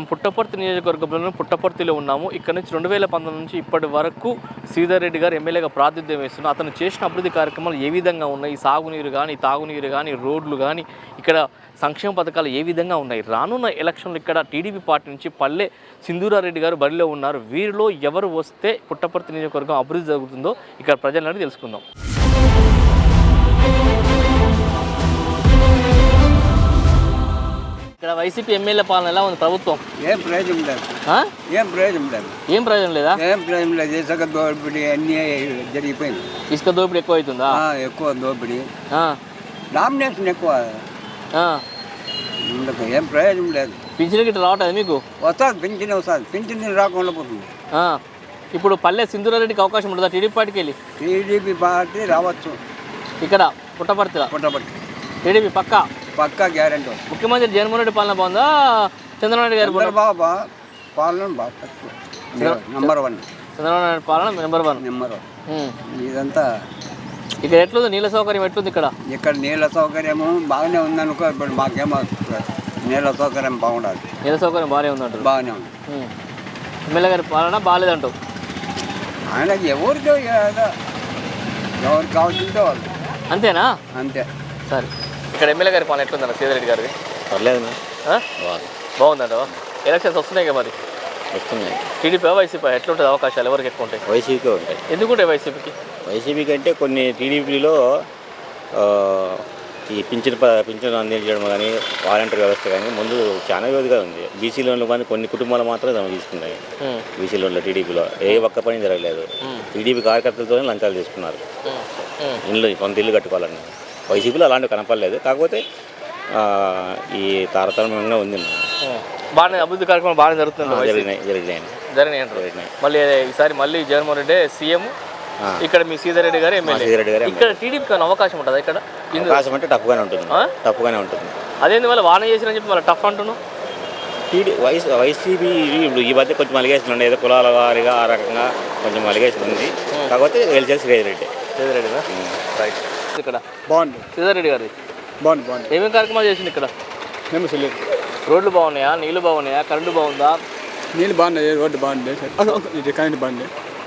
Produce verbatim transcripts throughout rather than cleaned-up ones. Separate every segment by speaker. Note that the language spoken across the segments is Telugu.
Speaker 1: పుట్టపర్తి నియోజకవర్గంలోని పుట్టపర్తిలో ఉన్నాము. ఇక్కడ నుంచి రెండు వేల పంతొమ్మిది నుంచి ఇప్పటి వరకు శ్రీధర్ రెడ్డి గారు ఎమ్మెల్యేగా ప్రాతినిధ్యం వేస్తున్నారు. అతను చేసిన అభివృద్ధి కార్యక్రమాలు ఏ విధంగా ఉన్నాయి, సాగునీరు కానీ, తాగునీరు కానీ, రోడ్లు కానీ, ఇక్కడ సంక్షేమ పథకాలు ఏ విధంగా ఉన్నాయి. రానున్న ఎలక్షన్లు ఇక్కడ టీడీపీ పార్టీ నుంచి పల్లె సింధూరారెడ్డి గారు బరిలో ఉన్నారు. వీరిలో ఎవరు వస్తే పుట్టపర్తి నియోజకవర్గం అభివృద్ధి జరుగుతుందో ఇక్కడ ప్రజలని తెలుసుకుందాం. ఇక్కడ వైసీపీ ఎమ్మెల్యే పాలన ఎలా ఉంది? ప్రభుత్వం
Speaker 2: ఏం ప్రయోజనం లేదు. ఏం ప్రయోజనం లేదు.
Speaker 1: ఏం ప్రయోజనం లేదా?
Speaker 2: ఏం ప్రయోజనం లేదు. ఇసుక దోపిడీ అన్నీ జరిగిపోయింది.
Speaker 1: ఇసుక దోపిడీ ఎక్కువ అవుతుందా?
Speaker 2: ఎక్కువ దోపిడీ, డామినేషన్ ఎక్కువ. ఏం ప్రయోజనం లేదు.
Speaker 1: పింఛన్ గిట్ట రావట్లేదు మీకు?
Speaker 2: వస్తుంది, పింఛన్ వస్తుంది. పింఛన్ రాకుండా పోతుంది.
Speaker 1: ఇప్పుడు పల్లె సింధూరారెడ్డికి అవకాశం ఉంటుందా టీడీపీ పార్టీకి వెళ్ళి?
Speaker 2: టీడీపీ పార్టీ రావచ్చు
Speaker 1: ఇక్కడ పుట్టపర్తిలో.
Speaker 2: పుట్టపర్తి
Speaker 1: టీడీపీ పక్కా
Speaker 2: పక్కా గ్యారెంటీ.
Speaker 1: ముఖ్యమంత్రి జగన్మోహన్ రెడ్డి పాలన బాగుందా, చంద్రబాబు నాయుడు గారి
Speaker 2: బాబా పాలన బాగా నెంబర్ వన్.
Speaker 1: చంద్రబాబు నాయుడు పాలన నెంబర్ వన్
Speaker 2: నెంబర్ వన్. ఇదంతా
Speaker 1: ఇక్కడ ఎట్లుంది? నీళ్ళ సౌకర్యం ఎట్లుంది ఇక్కడ?
Speaker 2: ఇక్కడ నీళ్ళ సౌకర్యము బాగానే ఉందనుకో. ఇప్పుడు మాకేమో నీళ్ళ సౌకర్యం బాగుండాలి.
Speaker 1: నీళ్ళ సౌకర్యం బాగానే ఉందంట.
Speaker 2: బాగానే ఉంది.
Speaker 1: ఎమ్మెల్యే గారి పాలన బాగాలేదంటావు?
Speaker 2: ఆయన ఎవరితో ఎవరికి కావాల్సిందో వాళ్ళు.
Speaker 1: అంతేనా?
Speaker 2: అంతే.
Speaker 1: సరే, ఇక్కడ ఎమ్మెల్యే గారి పాలన ఎట్లుందన్న శ్రీధర్ రెడ్డి గారిది?
Speaker 3: పర్లేదు,
Speaker 1: బాగుందంట. ఎలక్షన్స్ వస్తున్నాయి కదా, మరి
Speaker 3: వస్తున్నాయి.
Speaker 1: టీడీపీ వైసీపీ ఎట్లుంటుంది? అవకాశాలు ఎవరికి ఎక్కువ ఉంటాయి?
Speaker 3: వైసీపీకే ఉంటాయి.
Speaker 1: ఎందుకుంటాయి వైసీపీకి?
Speaker 3: వైసీపీ కంటే కొన్ని టీడీపీలో ఈ పింఛన్ పింఛన్ అందించడం కానీ, వాలంటీర్ వ్యవస్థ కానీ ముందు చాలా వ్యవధిగా ఉంది. బీసీ లోన్లు కానీ కొన్ని కుటుంబాలు మాత్రమే తమ తీసుకున్నాయి. బీసీ లోన్లో టీడీపీలో ఏ ఒక్క పని జరగలేదు. టీడీపీ కార్యకర్తలతోనే లంచాలు తీసుకున్నారు ఇల్లు, కొంత ఇల్లు కట్టుకోవాలని. వైసీపీలో అలాంటివి కనపడలేదు. కాకపోతే ఈ తారతమ్యంగా ఉంది.
Speaker 1: బాగానే అభివృద్ధి కార్యక్రమం బాగానే జరుగుతుంది.
Speaker 3: జరిగినాయి జరిగినాయి
Speaker 1: జరిగినాయి జరిగినాయి మళ్ళీ ఈసారి మళ్ళీ జగన్మోహన్ రెడ్డి సీఎం, ఇక్కడ మీ శ్రీధర్ రెడ్డి గారు ఎమ్మెల్యే.
Speaker 3: రెడ్డి గారు
Speaker 1: ఇక్కడ టీడీపీకి అవకాశం ఉంటుంది. ఇక్కడ
Speaker 3: అవకాశం అంటే టఫ్గానే ఉంటుంది. టఫ్గానే ఉంటుంది.
Speaker 1: అదేంది మళ్ళీ వాన చేసిరని చెప్పి మళ్ళీ టఫ్ అంటున్నాను.
Speaker 3: టీడీ వైస్ వైసీపీ ఇప్పుడు ఈ మధ్య కొంచెం అలిగేషన్ ఉండే, ఏదో కులాల వారిగా ఆ రకంగా కొంచెం అలిగేషన్ ఉంది. కాకపోతే గెలిచేది శ్రీధర్ రెడ్డి.
Speaker 1: శ్రీధర్ రెడ్డి రైట్. ఇక్కడ
Speaker 2: బాగుంది.
Speaker 1: శ్రీధర్ రెడ్డి గారిది
Speaker 2: బాగుంది. బాగుంది.
Speaker 1: ఏమేమి కార్యక్రమాలు చేసింది ఇక్కడ? రోడ్లు బాగున్నాయా? నీళ్లు బాగున్నాయా? కరెంటు బాగుందా?
Speaker 4: నీళ్ళు బాగున్నాయి, రోడ్డు బాగుంది, ఇది కరెంట్ బాగుంది.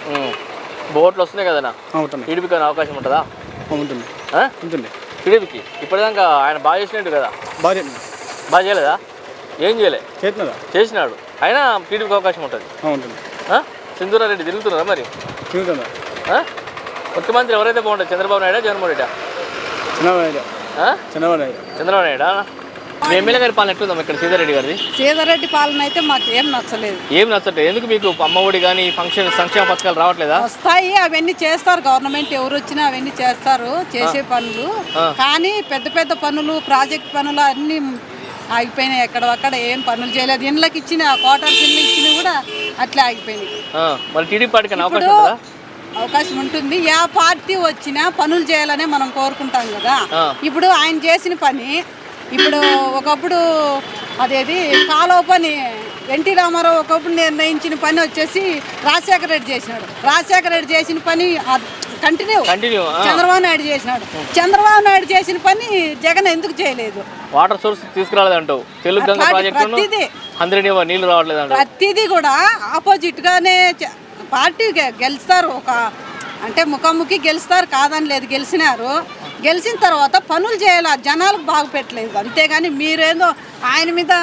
Speaker 1: బోట్లు వస్తున్నాయి కదా, టీడీపీకి అవకాశం ఉంటుందా?
Speaker 4: ఉంటుంది ఉంటుంది
Speaker 1: టీడీపీకి. ఇప్పటిదాకా ఆయన బాగా చేసినట్టు కదా?
Speaker 4: బాగా
Speaker 1: బాగా చేయలేదా? ఏం చేయలే,
Speaker 4: చేసినారా?
Speaker 1: చేసినాడు. అయినా టీడీపీకి అవకాశం ఉంటుంది.
Speaker 4: ఉంటుంది.
Speaker 1: సింధూరారెడ్డి తిరుగుతున్నారా మరి?
Speaker 4: తిరుగుతుందా?
Speaker 1: ముఖ్యమంత్రి ఎవరైతే బాగుంటుంది? చంద్రబాబు నాయుడు, జగన్మోహన్ రెడ్డి?
Speaker 4: చంద్రబాబు నాయుడు. చంద్రబాబు నాయుడు.
Speaker 1: చంద్రబాబు నాయుడు. మీ ఎమ్మెల్యే గారి పాలన ఎట్లుందాం ఇక్కడ శ్రీధర్ రెడ్డి గారిది?
Speaker 5: శ్రీధర్ రెడ్డి పాలన అయితే మాకు ఏం నచ్చలేదు.
Speaker 1: ఏం నచ్చట్లేదు? ఎందుకు? మీకు అమ్మఒడి కానీ ఫంక్షన్ సంక్షేమ పథకాలు రావట్లేదా?
Speaker 5: వస్తాయి, అవన్నీ చేస్తారు. గవర్నమెంట్ ఎవరు వచ్చినా అవన్నీ చేస్తారు, చేసే పనులు. కానీ పెద్ద పెద్ద పనులు, ప్రాజెక్ట్ పనులు అన్ని ఆగిపోయినాయి. ఎక్కడ అక్కడ ఏం పనులు చేయలేదు. ఇండ్లకి ఇచ్చిన క్వార్టర్స్ ఇల్లు ఇచ్చినవి కూడా అట్లా ఆగిపోయినాయి.
Speaker 1: మరి టీడీపీ పార్టీకి అవకాశం ఉంటుందా?
Speaker 5: అవకాశం ఉంటుంది. ఏ పార్టీ వచ్చినా పనులు చేయాలనే మనం కోరుకుంటాం కదా. ఇప్పుడు ఆయన చేసిన పని, ఇప్పుడు ఒకప్పుడు అదేది కాలువ పని ఎన్టీ రామారావు ఒకప్పుడు నిర్ణయించిన పని వచ్చేసి రాజశేఖర రెడ్డి చేసినాడు. రాజశేఖర రెడ్డి చేసిన పని కంటిన్యూ చంద్రబాబు నాయుడు చేసినాడు. చంద్రబాబు నాయుడు చేసిన పని జగన్ ఎందుకు చేయలేదు?
Speaker 1: వాటర్ సోర్స్ తీసుకురాలేదంటావు. తెలుగు గంగ ప్రాజెక్టు నీళ్లు రావట్లేదు.
Speaker 5: ప్రతిదీ కూడా ఆపోజిట్ గానే పార్టీ గెలుస్తారు. ఒక అంటే ముఖాముఖి గెలుస్తారు, కాదని లేదు, గెలిచినారు. గెలిచిన తర్వాత పనులు చేయాలి, జనాలకు బాగు పెట్టలేదు. అంతేగాని మీరేందో ఆయన మీద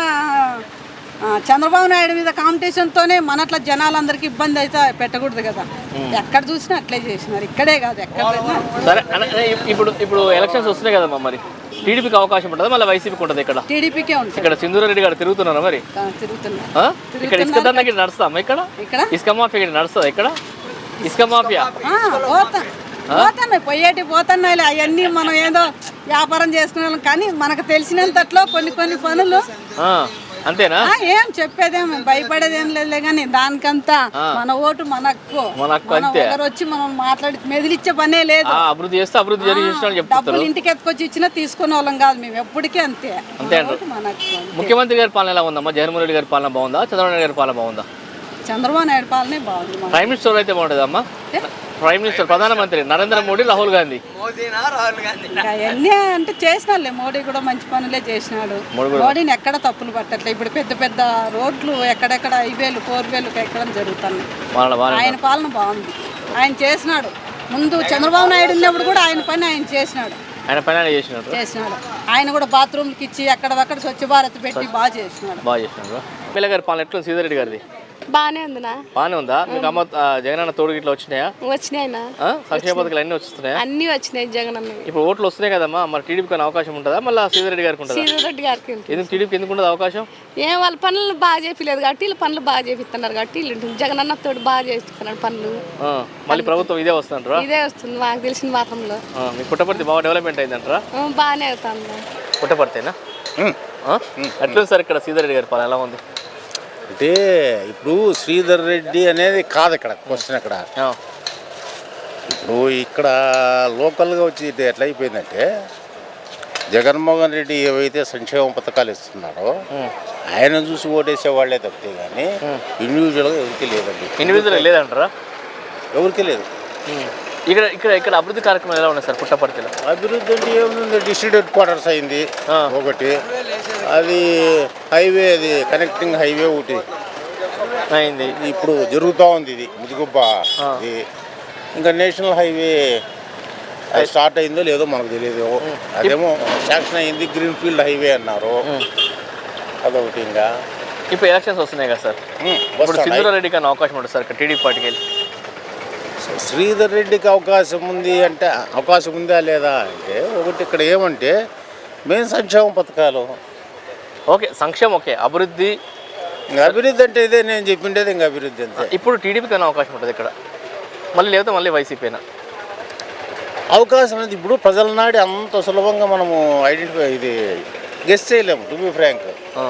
Speaker 5: చంద్రబాబు నాయుడు మీద కాంపిటీషన్తోనే మనట్లా జనాలందరికీ ఇబ్బంది అయితే పెట్టకూడదు కదా. ఎక్కడ చూసినా అట్లే చేసినారు, ఇక్కడే కాదు ఎక్కడ.
Speaker 1: సరే, ఇప్పుడు ఇప్పుడు ఎలక్షన్స్ వస్తున్నాయి కదమ్మా, మరి టీడీపీకి అవకాశం ఉంటుంది, మళ్ళీ వైసీపీకి ఉంటుంది? ఇక్కడ
Speaker 5: టీడీపీకే ఉంటుంది.
Speaker 1: ఇక్కడ సింధూరారెడ్డి గారు తిరుగుతున్నారా మరి?
Speaker 5: తిరుగుతున్నారు.
Speaker 1: ఇక్కడ ఇసుక దండకి నడుస్తామా? ఇక్కడ
Speaker 5: ఇక్కడ
Speaker 1: ఇసుక మాఫియా నడుస్తుందా? ఇక్కడ ఇసుక మాఫియా
Speaker 5: పోతున్నాయి, పోయేటి పోతున్నాయి. అవన్నీ మనం ఏదో వ్యాపారం చేసుకున్నాం. కానీ మనకు తెలిసినంతట్లో కొన్ని కొన్ని పనులు
Speaker 1: అంతేనా?
Speaker 5: ఏం చెప్పేదేం భయపడేదేం లేదులే. కానీ దానికంతా మన ఓటు మనకు ఒకరు వచ్చి మనం మాట్లాడి మెదిలిచ్చే పనే లేదు.
Speaker 1: అభివృద్ధి చేస్తే అభివృద్ధి జరిగి
Speaker 5: డబ్బులు ఇంటికి ఎత్తుకొచ్చి ఇచ్చినా తీసుకునే వాళ్ళం కాదు మేము ఎప్పటికీ. అంతే.
Speaker 1: ముఖ్యమంత్రి గారి పాలన ఎలా ఉందమ్మా? జగన్మోహన్ రెడ్డి గారి పాలన బాగుందా, చంద్రబాబు నాయుడు గారి పాలన బాగుందా?
Speaker 5: చంద్రబాబు నాయుడు పాలనే బాగుంది.
Speaker 1: ప్రైమ్ మినిస్టర్ అయితే బాగుంటుంది అమ్మా? ప్రైమ్ మినిస్టర్ ప్రధానమంత్రి నరేంద్ర మోడీ రాహుల్ గాంధీ
Speaker 5: ఇంకా అవన్నీ అంటే చేసినాడులే, మోడీ కూడా మంచి పనులే చేసినాడు. మోడీని ఎక్కడ తప్పులు పట్టట్లే. ఇప్పుడు పెద్ద పెద్ద రోడ్లు ఎక్కడెక్కడ హైవేలు ఫోర్ వేలు ఎక్కడం జరుగుతున్నాయి.
Speaker 1: వాళ్ళ వాళ్ళ
Speaker 5: ఆయన పాలన బాగుంది, ఆయన చేసినాడు. ముందు చంద్రబాబు నాయుడు ఉన్నప్పుడు కూడా ఆయన పని ఆయన చేసినాడు
Speaker 1: ఆయన పైన చేసినాడు
Speaker 5: చేసినాడు ఆయన కూడా బాత్రూమ్కి ఇచ్చి అక్కడక్కడ స్వచ్ఛ భారత్ పెట్టి బాగా చేసినాడు.
Speaker 1: బాగా చేసినాడు. ఎమ్మెల్యే గారి పాలన ఎట్లా సీతారెడ్డి గారిది?
Speaker 6: బాగానే ఉందినా.
Speaker 1: బాగానే ఉందా? మీకు అమ్మ ఆ, జగనన్న తోడు గిట్లా వచ్చినాయా?
Speaker 6: వచ్చినాయినా,
Speaker 1: ఆ? సంక్షేమ పథకాలు అన్నీ వస్తున్నాయా?
Speaker 6: అన్ని వచ్చినాయి జగనన్న.
Speaker 1: ఇప్పుడు ఓట్లు వస్తున్నాయి కదమ్మా, మరి టీడీపీకి అనే అవకాశం ఉంటుందా మళ్ళీ సీతారెడ్డి గారికి ఉంటుందా?
Speaker 6: సీతారెడ్డి గారికి ఉంటుంది.
Speaker 1: ఎందుకు టీడీపీకి ఎందుకు ఉండదు అవకాశం?
Speaker 6: ఏం వాళ్ళ పనులు బాగా చేపిలేదు కాబట్టి వీళ్ళు పనులు బాగా చేపిస్తున్నారు కాబట్టి వీళ్ళు ఉంటుంది. జగనన్న తోడు బాగా చేస్తున్నాడు పనులు.
Speaker 1: ఆ, మళ్ళీ ప్రభుత్వం ఇదే వస్తుందంటారా?
Speaker 6: ఇదే వస్తుంది మాకు తెలిసిన మాత్రంలో.
Speaker 1: ఆ, మీ పుట్టపర్తి బాగా డెవలప్మెంట్ అయిందంటారా?
Speaker 6: ఆ, బాగానే అవుతుంది.
Speaker 1: పుట్టపర్తేనా? ఎట్లుంది సార్ ఇక్కడ సీతారెడ్డి గారి పాలన ఎలా ఉంది?
Speaker 7: అంటే ఇప్పుడు శ్రీధర్ రెడ్డి అనేది కాదు ఇక్కడ క్వశ్చన్. అక్కడ
Speaker 1: ఆ,
Speaker 7: ఇప్పుడు ఇక్కడ లోకల్గా వచ్చి ఇది ఎట్లా అయిపోయిందంటే జగన్మోహన్ రెడ్డి ఏవైతే సంక్షేమ పథకాలు ఇస్తున్నాడో ఆయన చూసి ఓటేసే వాళ్ళే తప్పితే కానీ ఇండివిజువల్గా ఎవరికి లేదండి.
Speaker 1: ఇండివిజువల్ లేదంటారా?
Speaker 7: ఎవరికి లేదు.
Speaker 1: ఇక్కడ ఇక్కడ ఇక్కడ అభివృద్ధి కార్యక్రమాలు ఎలా ఉన్నాయి సార్ పుట్టపర్తిలో?
Speaker 7: అభివృద్ధి అంటే ఏముంది, డిస్ట్రిక్ట్ హెడ్ క్వార్టర్స్ అయింది
Speaker 1: ఆ.
Speaker 7: ఒకటి, అది హైవే, అది కనెక్టింగ్ హైవే ఒకటి
Speaker 1: అయింది.
Speaker 7: ఇప్పుడు జరుగుతూ ఉంది. ఇది ముదిగుబ్బ ఇది ఇంకా నేషనల్ హైవే అది స్టార్ట్ అయిందో లేదో మనకు తెలియదు. అదేమో శాంక్షన్ అయింది, గ్రీన్ ఫీల్డ్ హైవే అన్నారు. అదొకటి. ఇంకా
Speaker 1: ఇప్పుడు ఎలక్షన్స్ వస్తున్నాయి కదా సార్, ఇప్పుడు సింధూరారెడ్డికి అనే అవకాశం ఉంటుంది సార్ ఇక్కడ టీడీపీ పార్టీకి వెళ్ళి?
Speaker 7: శ్రీధర్ రెడ్డికి అవకాశం ఉంది అంటే అవకాశం ఉందా లేదా అంటే ఒకటి ఇక్కడ ఏమంటే మెయిన్ సంక్షేమ పథకాలు.
Speaker 1: ఓకే, సంక్షేమం ఓకే, అభివృద్ధి
Speaker 7: ఇంకా అభివృద్ధి అంటే ఇదే నేను చెప్పిండేది. ఇంకా అభివృద్ధి అంతే.
Speaker 1: ఇప్పుడు టీడీపీకి అనే అవకాశం ఉంటుంది ఇక్కడ మళ్ళీ, లేకపోతే మళ్ళీ వైసీపీనా?
Speaker 7: అవకాశం అనేది ఇప్పుడు ప్రజల నాడి అంత సులభంగా మనము ఐడెంటిఫై ఇది గెస్ చేయలేము. టు బి ఫ్రాంక్,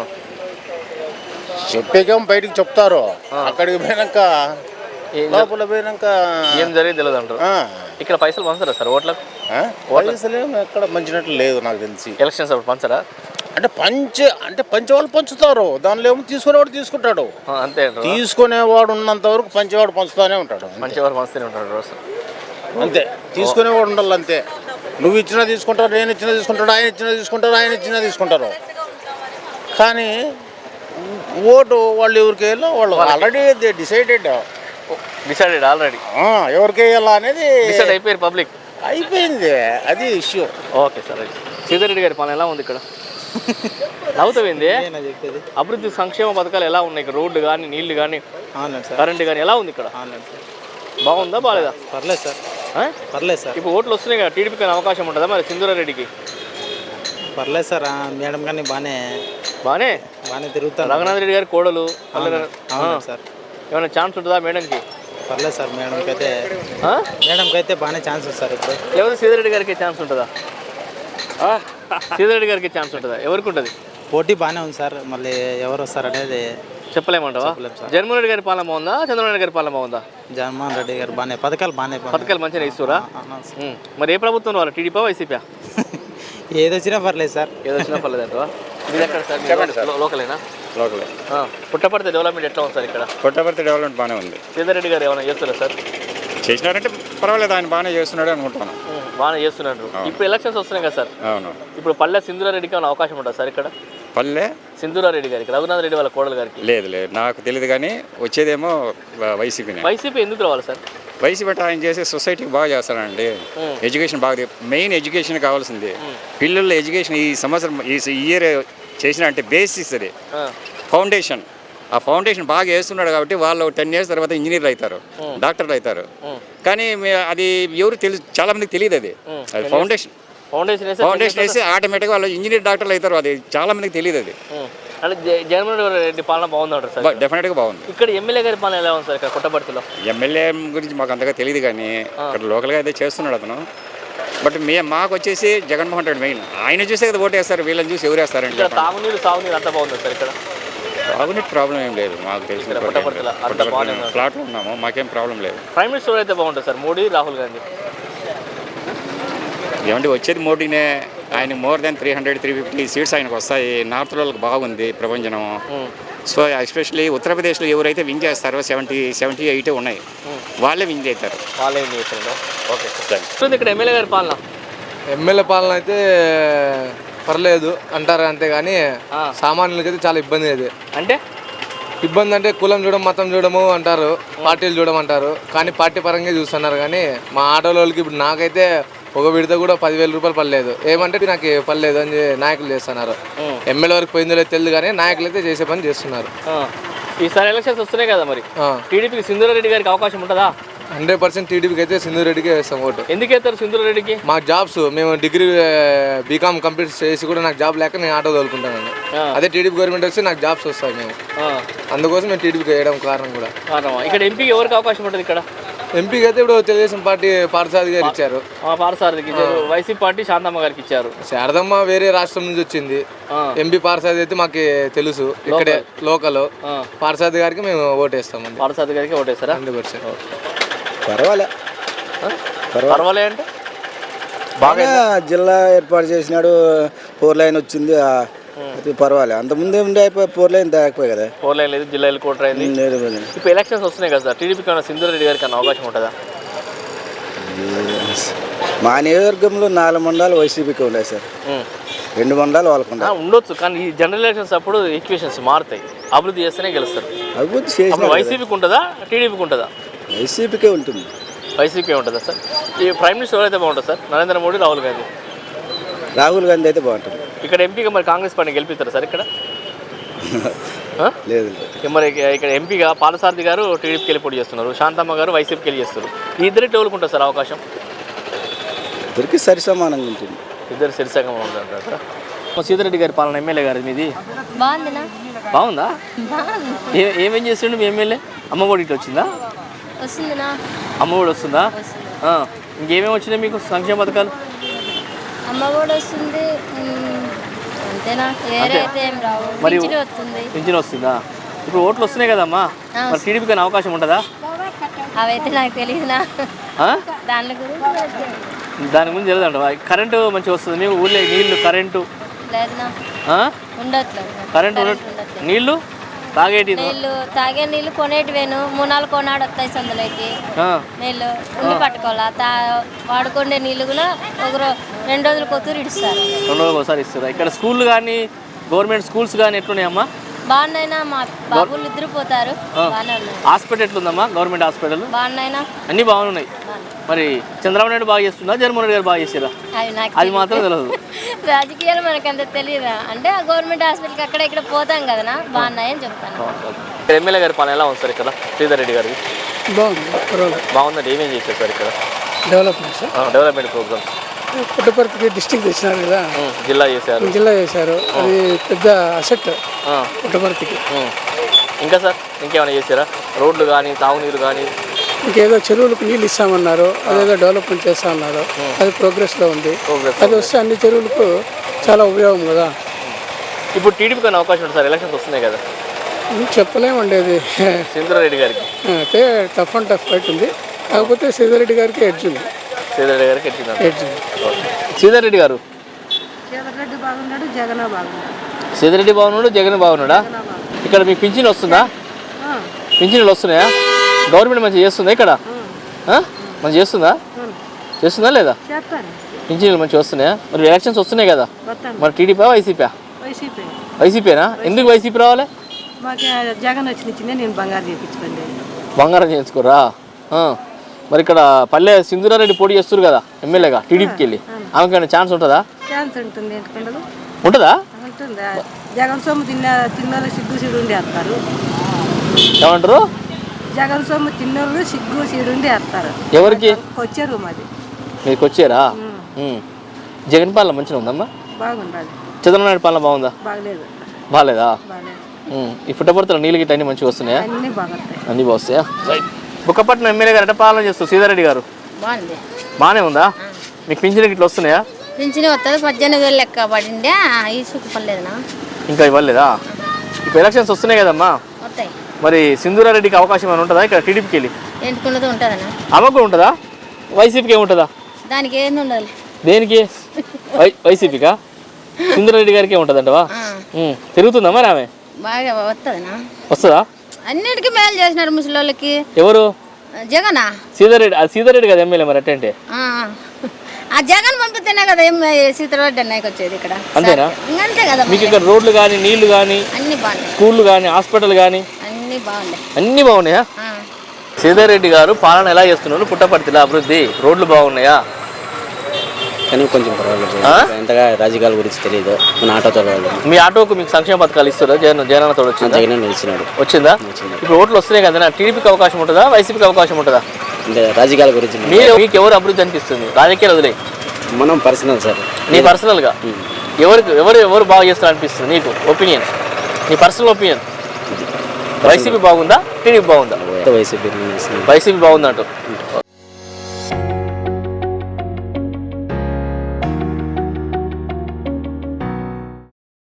Speaker 7: చెప్పేకేమో బయటికి చెప్తారు, అక్కడికి పోయినాక లోపల పోయినాక
Speaker 1: ఏం జరిగింది తెలియదు అంటారు.
Speaker 7: ఆ,
Speaker 1: ఇక్కడ పైసలు పంచరా సార్ ఓట్లకు?
Speaker 7: ఆ? పైసలేమో ఎక్కడ పంచినట్లు లేదు నాకు తెలిసి.
Speaker 1: ఎలక్షన్స్ అప్పుడు పంచరా?
Speaker 7: అంటే పంచే అంటే పంచేవాళ్ళు పంచుతారు, దానిలో ఏమో తీసుకునేవాడు తీసుకుంటాడు.
Speaker 1: ఆ, అంతే అంటారు.
Speaker 7: తీసుకునేవాడు ఉన్నంత వరకు పంచేవాడు పంచుతూనే ఉంటాడు.
Speaker 1: మంచి వారు పంచుతూనే ఉంటారు రోజు.
Speaker 7: అంతే, తీసుకునేవాడు ఉండాలి అంతే. నువ్వు ఇచ్చినా తీసుకుంటారు, నేను ఇచ్చినా తీసుకుంటాడు, ఆయన ఇచ్చినా తీసుకుంటారు, ఆయన ఇచ్చినా తీసుకుంటారు. కానీ ఓటు వాళ్ళు ఎవరికి వేయాలో వాళ్ళు ఆల్రెడీ డిసైడెడ్
Speaker 1: డిసైడెడ్ ఆల్రెడీ
Speaker 7: ఎవరికి వేయాలా అనేది
Speaker 1: డిసైడ్ అయిపోయారు పబ్లిక్.
Speaker 7: అయిపోయింది, అది ఇష్యూ.
Speaker 1: Okay sir. సీతారెడ్డి గారి పాలన ఎలా ఉంది ఇక్కడ? నవ్వుతావింది. అభివృద్ధి సంక్షేమ పథకాలు ఎలా ఉన్నాయి ఇక్కడ? రోడ్లు కానీ, నీళ్లు కానీ, కరెంటు కానీ ఎలా ఉంది ఇక్కడ? బాగుందా బాగాలేదా?
Speaker 8: పర్లేదు సార్, పర్లేదు సార్.
Speaker 1: ఇప్పుడు ఓట్లు వస్తున్నాయి కదా, టీడీపీకి అవకాశం ఉంటుందా మరి సింధూరారెడ్డికి?
Speaker 8: పర్లేదు సార్, మేడం కానీ బాగానే
Speaker 1: బాగానే
Speaker 8: బాగానే తిరుగుతారు.
Speaker 1: రఘునాథ్ రెడ్డి గారి కోడలు
Speaker 8: అవును సార్.
Speaker 1: ఏమైనా ఛాన్స్ ఉంటుందా మేడంకి?
Speaker 8: పర్లేదు సార్, మేడంకి అయితే మేడంకి అయితే బాగానే ఛాన్స్ ఉంది సార్. ఇప్పుడు
Speaker 1: లేకపోతే సీతారెడ్డి గారికి ఛాన్స్ ఉంటుందా? సీతారెడ్డి గారికి ఛాన్స్ ఉంటుందా? ఎవరికి ఉంటుంది?
Speaker 8: పోటీ బాగానే ఉంది సార్, మళ్ళీ ఎవరు వస్తారు అనేది
Speaker 1: చెప్పలేమంటావా? జగన్మోహన్ రెడ్డి గారి పాలన బాగుందా, చంద్రబాబు నాయుడు గారి పాలన బాగుందా?
Speaker 8: జగన్మోహన్ రెడ్డి గారు బాగానే పథకాలు బాగానే
Speaker 1: పథకాలు మంచిగా ఇస్తురా? మరి ఏ ప్రభుత్వం వాళ్ళ టీడీపీ వైసీపీ?
Speaker 8: ఏది వచ్చినా పర్లేదు సార్,
Speaker 1: ఏది వచ్చినా పర్లేదు అంటావా? మీరు ఎక్కడ సార్? లోకలేనా?
Speaker 3: లోకలే.
Speaker 1: పుట్టపర్తి డెవలప్మెంట్ ఎట్లా ఉంది సార్ ఇక్కడ?
Speaker 3: పుట్టపర్తి డెవలప్మెంట్ బాగానే ఉంది.
Speaker 1: సీతారెడ్డి గారు ఏమైనా చేస్తారా సార్?
Speaker 3: చేసినారంటే పర్వాలేదు, ఆయన బాగానే చేస్తున్నాడు అనుకుంటాను.
Speaker 1: బాగానే చేస్తున్నారు. ఇప్పుడు ఎలక్షన్స్ వస్తున్నాయి కదా సార్,
Speaker 3: అవును.
Speaker 1: ఇప్పుడు పల్లె సింధూరారెడ్డికి ఏమైనా అవకాశం ఉంటుంది సార్ ఇక్కడ?
Speaker 3: పల్లె
Speaker 1: సింధూరారెడ్డి గారికి, రఘునాథ్ రెడ్డి వాళ్ళ కోడలు గారికి?
Speaker 3: లేదు లేదు, నాకు తెలియదు కానీ వచ్చేదేమో వైసీపీనే.
Speaker 1: వైసీపీ ఎందుకు రావాలి సార్?
Speaker 3: వైసీపీ అంటే ఆయన చేసే సొసైటీకి బాగా చేస్తానండి. ఎడ్యుకేషన్ బాగా, మెయిన్ ఎడ్యుకేషన్ కావాల్సింది. పిల్లల ఎడ్యుకేషన్ ఈ సంవత్సరం ఈ ఇయర్ చేసిన అంటే బేసిస్, అది ఫౌండేషన్. ఆ ఫౌండేషన్ బాగా వేస్తున్నాడు కాబట్టి వాళ్ళు టెన్ ఇయర్స్ తర్వాత ఇంజనీర్లు అవుతారు, డాక్టర్లు అవుతారు. కానీ అది ఎవరు తెలుసు, చాలా మందికి తెలియదు. అది అది ఫౌండేషన్
Speaker 1: ఫౌండేషన్
Speaker 3: ఫౌండేషన్ వేసి ఆటోమేటిక్గా వాళ్ళు ఇంజనీర్ డాక్టర్లు అవుతారు. అది చాలా మందికి తెలియదు. అది
Speaker 1: అంటే జగన్మోహన్ రెడ్డి పాలన బాగుందంటారు సార్?
Speaker 3: డెఫినెట్గా బాగుంది.
Speaker 1: ఇక్కడ ఎమ్మెల్యే గారి పాలన ఎలా ఉంది సార్ ఇక్కడ పుట్టపర్తిలో?
Speaker 3: ఎమ్మెల్యే గురించి మాకు అంతగా తెలియదు కానీ ఇక్కడ లోకల్గా అయితే చేస్తున్నాడు అతను. బట్ మే మాకు వచ్చేసి జగన్మోహన్ రెడ్డి మెయిన్. ఆయన చూసే కదా ఓటు వేస్తారు, వీళ్ళని చూసి ఎవరు వేస్తారంటే.
Speaker 1: ఇక్కడ తాగునీరు సాగునీరు అంతా బాగుంది సార్ ఇక్కడ?
Speaker 3: తాగునీటి ప్రాబ్లం ఏం లేదు మాకు తెలిసిన ఫ్లాట్లో ఉన్నాము, మాకేం ప్రాబ్లం లేదు.
Speaker 1: ప్రైమ్ మినిస్టర్ అయితే బాగుంటుంది సార్, మోడీ రాహుల్ గాంధీ?
Speaker 3: ఏమంటే వచ్చేది మోడీనే. ఆయన more than three hundred three fifty seats ఆయనకు వస్తాయి. నార్త్ వాళ్ళకి బాగుంది ప్రపంచం.
Speaker 9: సో ఎస్పెషల్లీ ఉత్తరప్రదేశ్లో ఎవరైతే విన్ చేస్తారో సెవెంటీ సెవెంటీ ఎయిట్ ఉన్నాయి, వాళ్ళే విన్ చేస్తారు.
Speaker 1: వాళ్ళే విన్ చేస్తారు. ఓకే సార్, ఇక్కడ ఎమ్మెల్యే గారి పాలన
Speaker 10: ఎమ్మెల్యే పాలన అయితే పర్లేదు అంటారు, అంతేగాని సామాన్యులకైతే చాలా ఇబ్బంది. అది
Speaker 1: అంటే
Speaker 10: ఇబ్బంది అంటే కులం చూడడం, మతం చూడము అంటారు, పార్టీలు చూడమంటారు, కానీ పార్టీ పరంగా చూస్తున్నారు. కానీ మా ఆటోలకి ఇప్పుడు నాకైతే ఒక విడత కూడా పదివేల రూపాయలు పడలేదు. ఏమంటే నాకు పడలేదు అని నాయకులు చేస్తున్నారు. ఎమ్మెల్యే వరకు పోయిందో లేదు తెలియదు, కానీ నాయకులు అయితే చేసే పని చేస్తున్నారు.
Speaker 1: ఈసారి ఎలక్షన్స్ వస్తున్నాయి కదా, మరి టీడీపీకి సింధూరారెడ్డి గారికి అవకాశం ఉంటుందా?
Speaker 10: హండ్రెడ్ పర్సెంట్ టీడీపీకి అయితే సింధూరెడ్డికే వేస్తాం ఓటు.
Speaker 1: ఎందుకు వేస్తారు సింధూరారెడ్డికి?
Speaker 10: మా జాబ్స్, మేము డిగ్రీ బీకామ్ కంప్లీట్ చేసి కూడా నాకు జాబ్ లేక నేను ఆటో తోలుకుంటాను. అదే టీడీపీ గవర్నమెంట్ వస్తే నాకు జాబ్స్ వస్తాయి. మేము అందుకోసం మేము టీడీపీకి వేయడం కారణం కూడా.
Speaker 1: ఇక్కడ ఎంపీకి ఎవరికి అవకాశం ఉంటుంది? ఇక్కడ
Speaker 10: ఎంపీకి అయితే ఇప్పుడు తెలుగుదేశం పార్టీ పార్థసారథి గారు ఇచ్చారు.
Speaker 1: పార్థసారథికి ఇచ్చారు. వైసీపీ పార్టీ శాంతమ్మ గారికి ఇచ్చారు.
Speaker 10: శారదమ్మ వేరే రాష్ట్రం నుంచి వచ్చింది. ఎంపీ పార్థసారథి అయితే మాకు తెలుసు, ఇక్కడే లోకల్. పార్థసారథి గారికి మేము ఓటేస్తాం.
Speaker 1: పార్థసారథి గారికి ఓటేస్తారా?
Speaker 10: Hundred percent.
Speaker 11: పర్వాలే
Speaker 1: పర్వాలే అంటే
Speaker 11: బాగా జిల్లా ఏర్పాటు చేసినాడు, ఫోర్ లైన్ వచ్చింది, పర్వాలే. అంతకుముందే ఉండే అయిపోయి ఫోర్ లైన్ దాకపోయి కదా.
Speaker 1: ఫోర్ లైన్ లేదు, జిల్లా కోటర్ అయింది. ఇప్పుడు ఎలక్షన్స్ వస్తున్నాయి కదా సార్, టీడీపీకి ఏమైనా సింధూరారెడ్డి గారికి అన్న అవకాశం ఉంటుందా?
Speaker 11: మా నియోజకవర్గంలో నాలుగు మండలాలు వైసీపీకి ఉన్నాయి సార్, రెండు మండలాలు వాళ్ళకు ఉన్నాయి.
Speaker 1: ఉండొచ్చు, కానీ ఈ జనరల్ ఎలక్షన్స్ అప్పుడు ఈక్వేషన్స్ మారుతాయి. అభివృద్ధి చేస్తేనే గెలుస్తారు.
Speaker 11: అభివృద్ధి చేసిన
Speaker 1: వైసీపీకి ఉంటుందా, టీడీపీకి ఉంటుందా?
Speaker 11: వైసీపీకే ఉంటుంది.
Speaker 1: వైసీపీ ఉంటుందా సార్? ఈ ప్రైమ్ మినిస్టర్ ఎవరైతే బాగుంటుంది సార్? నరేంద్ర మోడీ, రాహుల్ గాంధీ?
Speaker 11: రాహుల్ గాంధీ అయితే బాగుంటుంది.
Speaker 1: ఇక్కడ ఎంపీగా మరి కాంగ్రెస్ పార్టీ గెలిపిస్తారా సార్ ఇక్కడ?
Speaker 11: లేదు.
Speaker 1: మరి ఇక్కడ ఎంపీగా పార్థసారథి గారు టీడీపీకి వెళ్ళి పోటీ చేస్తున్నారు, శాంతమ్మ గారు వైసీపీకి వెళ్ళి చేస్తారు. ఈ ఇద్దరికి ఎవరుకుంటారు సార్ అవకాశం?
Speaker 11: ఇద్దరికి సరి సమానంగా ఉంటుంది.
Speaker 1: ఇద్దరు సరిసగంగా ఉంటారు సార్. సీతారెడ్డి గారి పాలన ఎమ్మెల్యే గారు మీది
Speaker 6: బాగుందినా?
Speaker 1: బాగుందా? ఏ ఏమేం చేస్తుండే మీ ఎమ్మెల్యే? అమ్మఒడి ఇట్లా వచ్చిందా?
Speaker 6: వస్తుందినా?
Speaker 1: అమ్మఒడి వస్తుందా? ఇంకేమేమి వచ్చినాయి మీకు సంక్షేమ పథకాలు?
Speaker 6: అమ్మ కూడా వస్తుంది అంతేనా? వేరే అయితే ఏం రావు.
Speaker 1: మరి
Speaker 6: వస్తుంది.
Speaker 1: పింఛన్ వస్తుందా? ఇప్పుడు ఓట్లు వస్తున్నాయి కదమ్మా, మరి టీడీపీకి అయినా అవకాశం ఉంటుందా?
Speaker 6: అవైతే నాకు తెలియదునా, దాని గురించి
Speaker 1: దాని గురించి తెలియదంట. కరెంటు మంచిగా వస్తుంది మీకు ఊళ్ళో? నీళ్లు, కరెంటు
Speaker 6: లేదునా? ఉండట్లేదు.
Speaker 1: కరెంటు, నీళ్లు, తాగేటి
Speaker 6: నీళ్ళు, తాగే నీళ్ళు కొనేటివేను మూడు నాలుగు కొనాడు వస్తాయి సందులోకి. నీళ్ళు ఉండి పట్టుకోవాలా, తా వాడుకునే నీళ్ళు కూడా ఒక రెండు రోజులు కొత్తూరు ఇస్తారు.
Speaker 1: రెండు రోజులు ఒకసారి ఇస్తారు. ఇక్కడ స్కూళ్ళు కానీ గవర్నమెంట్ స్కూల్స్ కానీ ఎట్లున్నాయమ్మా?
Speaker 6: బాగున్నాయినా, మా బాబులు ఇద్దరు పోతారు.
Speaker 1: హాస్పిటల్ ఎట్లుందమ్మా? గవర్నమెంట్ హాస్పిటల్
Speaker 6: బాగున్నాయినా?
Speaker 1: అన్నీ బాగున్నాయి. మరి చంద్రబాబు నాయుడు బాగా చేస్తుందా, జగన్మోహన్ రెడ్డి గారు బాగా చేసారా? అది మాత్రం తెలియదు.
Speaker 6: రాజకీయాలు మనకు అంత తెలియదా అంటే ఆ గవర్నమెంట్ హాస్పిటల్కి అక్కడ ఇక్కడ పోతాం కదనా, బాగున్నాయని చెప్తాను.
Speaker 1: ఇక్కడ ఎమ్మెల్యే గారి పాలన ఎలా ఉంది సార్? ఇక్కడ శ్రీధర్ గారికి
Speaker 4: బాగుంది.
Speaker 1: బాగుందండి. ఏమేం చేశారు సార్ ఇక్కడ?
Speaker 4: Development sir,
Speaker 1: development programs.
Speaker 4: పుట్టపర్తికి డిస్ట్రిక్ట్ తెచ్చినారు కదా,
Speaker 1: జిల్లా చేశారు.
Speaker 4: జిల్లా చేశారు. అది పెద్ద అసెట్ పుట్టపర్తికి.
Speaker 1: ఇంకా సార్ ఇంకేమైనా చేశారా? రోడ్లు కానీ, తాగునీరు కానీ?
Speaker 4: ఇంకేదో చెరువులకు నీళ్ళు ఇస్తామన్నారు, అదేదో డెవలప్మెంట్ చేస్తా అన్నారు. అది ప్రోగ్రెస్లో ఉంది. అది వస్తే అన్ని చెరువులకు చాలా ఉపయోగం కదా.
Speaker 1: ఇప్పుడు టీడీపీకి అయినా అవకాశం ఉంటుంది సార్, ఎలక్షన్స్ వస్తున్నాయి కదా?
Speaker 4: చెప్పలేమండి. అది
Speaker 1: సింధూరారెడ్డి గారికి
Speaker 4: అయితే టఫ్ అండ్ టఫ్ ఫైట్ ఉంది. కాకపోతే శ్రీధర్ గారికి ఎడ్జ్ ఉంది.
Speaker 1: శ్రీధర్ గారికి ఎడ్జ్ ఉంది.
Speaker 4: ఎడ్జ్
Speaker 1: శ్రీధర్ రెడ్డి గారు
Speaker 5: శ్రీధర్ బాగున్నాడు, జగన్ బాగున్నాడు.
Speaker 1: శ్రీధర్ రెడ్డి బాగున్నాడు, జగన్ బాగున్నాడా? ఇక్కడ మీకు పింఛన్ వస్తుందా? పింఛన్లు వస్తున్నాయా? గవర్నమెంట్ మంచిగా చేస్తుందా ఇక్కడ? మంచిగా చేస్తుందా? చేస్తుందా లేదా? పింఛన్లు మంచిగా వస్తున్నాయా? మరి ఎలక్షన్స్ వస్తున్నాయి కదా, మరి టీడీపీ వైసీపీ?
Speaker 5: వైసీపీ.
Speaker 1: వైసీపీనా? ఎందుకు వైసీపీ రావాలి?
Speaker 5: మాకు జగన్ వచ్చిన నేను బంగారం చేయించుకోండి.
Speaker 1: బంగారం చేయించుకోరా? మరి ఇక్కడ పల్లె సింధూరారెడ్డి పోటీ చేస్తారు కదా ఎమ్మెల్యేగా, టీడీపీకి వెళ్ళి ఆమెకి ఏమైనా ఛాన్స్ ఉంటుందా?
Speaker 5: ఛాన్స్ ఉంటుంది. ఎందుకంటే
Speaker 1: ఉంటుందా?
Speaker 5: ఉంటుందా? జగన్ సొమ్ము తిన్న తిన్నోళ్ళు సిగ్గు సీడు ఉండి వేస్తారు.
Speaker 1: ఏమంటారు?
Speaker 5: జగన్ సొమ్ము తిన్నోళ్ళు సిగ్గు సీడు ఉండి వేస్తారు.
Speaker 1: ఎవరికి
Speaker 5: వచ్చారు? మాది
Speaker 1: మీకు వచ్చారా? జగన్ పాలన మంచిగా ఉందమ్మా?
Speaker 5: బాగుండాలి.
Speaker 1: చంద్రబాబు నాయుడు పాలన బాగుందా?
Speaker 5: బాగలేదు.
Speaker 1: బాగాలేదా? ఈ పుట్టపర్తిలో నీళ్ళు గిట్ట అన్ని మంచిగా వస్తున్నాయా?
Speaker 5: అన్నీ బాగుంటాయి.
Speaker 1: అన్నీ బాగుస్తాయా? రైట్. బుక్కపట్నం ఎమ్మెల్యే గారు ఎట్లా పాలన చేస్తారు శ్రీధర్ గారు?
Speaker 6: బాగుంది.
Speaker 1: బాగానే ఉందా? మీకు పింఛన్ గిట్ల వస్తున్నాయా?
Speaker 6: పింఛన్ వస్తుంది. పద్దెనిమిది వేలు లెక్క పడిందే, ఈ సుఖ పర్లేదునా?
Speaker 1: ఇంకా ఇవ్వలేదా? ఇప్పుడు ఎలక్షన్స్ వస్తున్నాయి కదమ్మా,
Speaker 6: వస్తాయి.
Speaker 1: మరి సింధూరారెడ్డికి అవకాశం ఏమైనా ఉంటుందా ఇక్కడ టీడీపీకి వెళ్ళి?
Speaker 6: ఎంటుకున్నది ఉంటుందనా?
Speaker 1: అమ్మకు ఉంటుందా? వైసీపీకి ఏముంటుందా?
Speaker 6: దానికి ఏం ఉండదు.
Speaker 1: దేనికి? వై వైసీపీకా? సింధూరారెడ్డి గారికి ఏముంటుందంటవా? తిరుగుతుందా మరి ఆమె?
Speaker 12: బాగా వస్తుందనా
Speaker 1: వస్తుందా?
Speaker 12: అన్నిటికీ మేలు చేసినారు ముసలోళ్ళకి.
Speaker 1: ఎవరు?
Speaker 12: జగనా?
Speaker 1: సీతారెడ్డి. అది సీతారెడ్డి కదా ఎమ్మెల్యే మరి అట్టంటే
Speaker 12: ఆ జగన్ పంపితేనే కదా ఏం సీతారెడ్డి అన్నయ్యకి వచ్చేది ఇక్కడ.
Speaker 1: అంతేనా?
Speaker 12: అంతే కదా.
Speaker 1: మీకు ఇక్కడ రోడ్లు కానీ నీళ్లు కానీ
Speaker 12: అన్ని బాగున్నాయి,
Speaker 1: స్కూళ్ళు కానీ హాస్పిటల్ కానీ
Speaker 12: అన్ని బాగున్నాయి.
Speaker 1: అన్నీ బాగున్నాయా? సీతారెడ్డి గారు పాలన ఎలా చేస్తున్నారు? పుట్టపర్తిలో అభివృద్ధి రోడ్లు బాగున్నాయా?
Speaker 13: కానీ కొంచెం పర్వాలేదు, ఎంతగా రాజకీయాల గురించి తెలియదు. మన ఆటోతో
Speaker 1: మీ ఆటోకు మీకు సంక్షేమ పథకాలు ఇస్తారా? జగన్ జగనన్నతో వచ్చిందా?
Speaker 13: జగన్ ఇచ్చినాడు.
Speaker 1: వచ్చిందా? ఇప్పుడు ఓట్లు వస్తున్నాయి కదా, టీడీపీకి అవకాశం ఉంటుందా, వైసీపీకి అవకాశం ఉంటుందా?
Speaker 13: అంటే రాజకీయాల గురించి
Speaker 1: మీరు మీకు ఎవరు అభివృద్ధి అనిపిస్తుంది? రాజకీయాలు వదిలే,
Speaker 13: మనం పర్సనల్ సార్.
Speaker 1: నీ పర్సనల్గా ఎవరికి ఎవరు ఎవరు బాగా చేస్తారు అనిపిస్తుంది నీకు? ఒపీనియన్, నీ పర్సనల్ ఒపీనియన్. వైసీపీ బాగుందా, టీడీపీ బాగుందా?
Speaker 13: YCP
Speaker 1: YCP బాగుందంటూ.